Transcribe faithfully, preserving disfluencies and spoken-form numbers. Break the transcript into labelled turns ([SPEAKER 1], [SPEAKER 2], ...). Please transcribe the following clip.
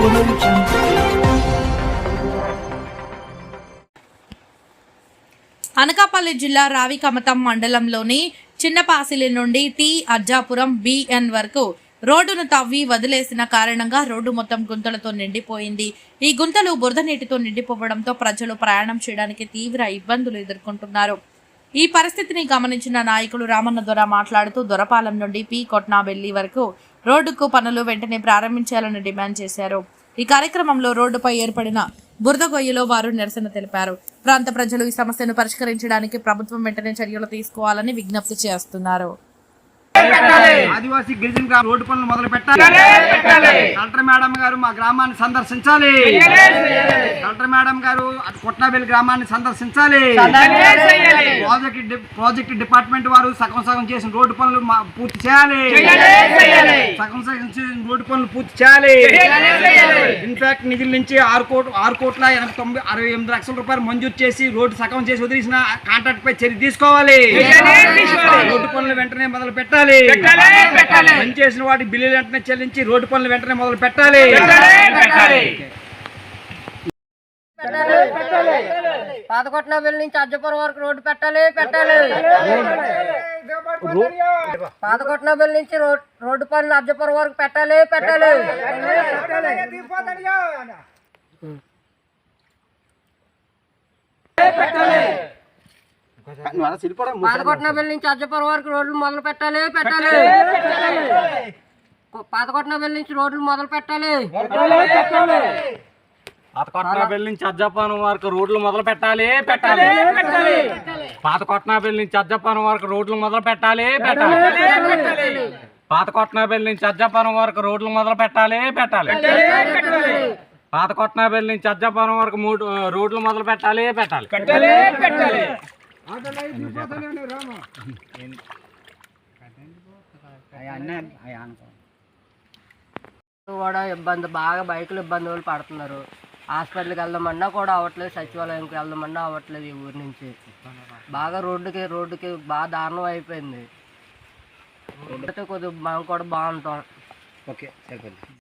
[SPEAKER 1] అనకాపల్లి జిల్లా రావికమతం మండలంలోని చిన్నపాసిలి నుండి టీ అజ్జాపురం బిఎన్ వరకు రోడ్డును తవ్వి వదిలేసిన కారణంగా రోడ్డు మొత్తం గుంతలతో నిండిపోయింది. ఈ గుంతలు బురద నీటితో నిండిపోవడంతో ప్రజలు ప్రయాణం చేయడానికి తీవ్ర ఇబ్బందులు ఎదుర్కొంటున్నారు. ఈ పరిస్థితిని గమనించిన నాయకులు రామన్న దొర మాట్లాడుతూ దొరపాలెం నుండి పి కొట్నాబెల్లి వరకు రోడ్డుకు పనులు వెంటనే ప్రారంభించాలని డిమాండ్ చేశారు. ఈ కార్యక్రమంలో రోడ్డుపై ఏర్పడిన బురద గొయ్యలో వారు నిరసన తెలిపారు. ప్రాంత ప్రజలు ఈ సమస్యను పరిష్కరించడానికి ప్రభుత్వం వెంటనే చర్యలు తీసుకోవాలని విజ్ఞప్తి చేస్తున్నారు.
[SPEAKER 2] ఆదివాసీ గిరిజన రోడ్డు పనులు మొదలు పెట్టాలి. కలెక్టర్ మేడం గారు మా గ్రామాన్ని సందర్శించాలి. కలెక్టర్ మేడం గారు కొట్నాబెల్లి గ్రామాన్ని సందర్శించాలి. ప్రాజెక్ట్ ప్రాజెక్ట్ డిపార్ట్మెంట్ వారు సగం సగం చేసిన రోడ్డు పనులు పూర్తి చేయాలి. సగం సగం చేసిన రోడ్డు పనులు పూర్తి చేయాలి. ఇన్ఫాక్ట్ నిధుల నుంచి ఆరు కోట్ల ఆరు కోట్ల ఎనభై తొమ్మిది అరవై ఎనిమిది లక్షల రూపాయలు మంజూరు చేసి రోడ్డు సగం చేసి వదిలేసిన కాంట్రాక్ట్ పై చర్య తీసుకోవాలి. రోడ్డు పనులు వెంటనే మొదలు పెట్టాలి. పనిచేసిన వాటి బిల్లులు వెంటనే చెల్లించి రోడ్డు పనులు వెంటనే మొదలు పెట్టాలి.
[SPEAKER 3] పాతకొట్నాబెల్లి నుంచి అజ్జపురం వరకు రోడ్డు పెట్టాలి పెట్టాలి పాతకొట్నాబెల్లి నుంచి రోడ్డు పనులు అజ్జపురం వరకు పెట్టాలి పెట్టాలి పాతకొట్నాబెల్లి నుంచి అజ్జపురం వరకు రోడ్లు మొదలు పెట్టాలి పెట్టాలి పాతకొట్నాబెల్లి నుంచి రోడ్లు మొదలు పెట్టాలి
[SPEAKER 4] పాతకొట్నాబెల్లి నుంచి అజ్జపురం వరకు రోడ్లు మొదలు పెట్టాలి పెట్టాలి పాతకొట్నాబెల్లి నుంచి అజ్జపురం వరకు రోడ్లు మొదలు పెట్టాలి పెట్టాలి పాతకొట్నాబెల్లి నుంచి అజ్జపురం వరకు రోడ్లు మొదలు పెట్టాలి పెట్టాలి పాతకొట్నాబెల్లి నుంచి అజ్జపురం వరకు మూడు రోడ్లు మొదలు పెట్టాలి పెట్టాలి
[SPEAKER 3] కూడా ఇబ్బంది బాగా బైకులు ఇబ్బంది వాళ్ళు పడుతున్నారు. హాస్పిటల్కి వెళ్దామన్నా కూడా అవ్వట్లేదు, సచివాలయంకి వెళ్దామన్నా అవ్వట్లేదు. ఈ ఊరి నుంచి బాగా రోడ్డుకి రోడ్డుకి బాగా దారుణం అయిపోయింది. రోడ్డు కొద్దిగా మనం కూడా బాగుంటాం.
[SPEAKER 2] ఓకే.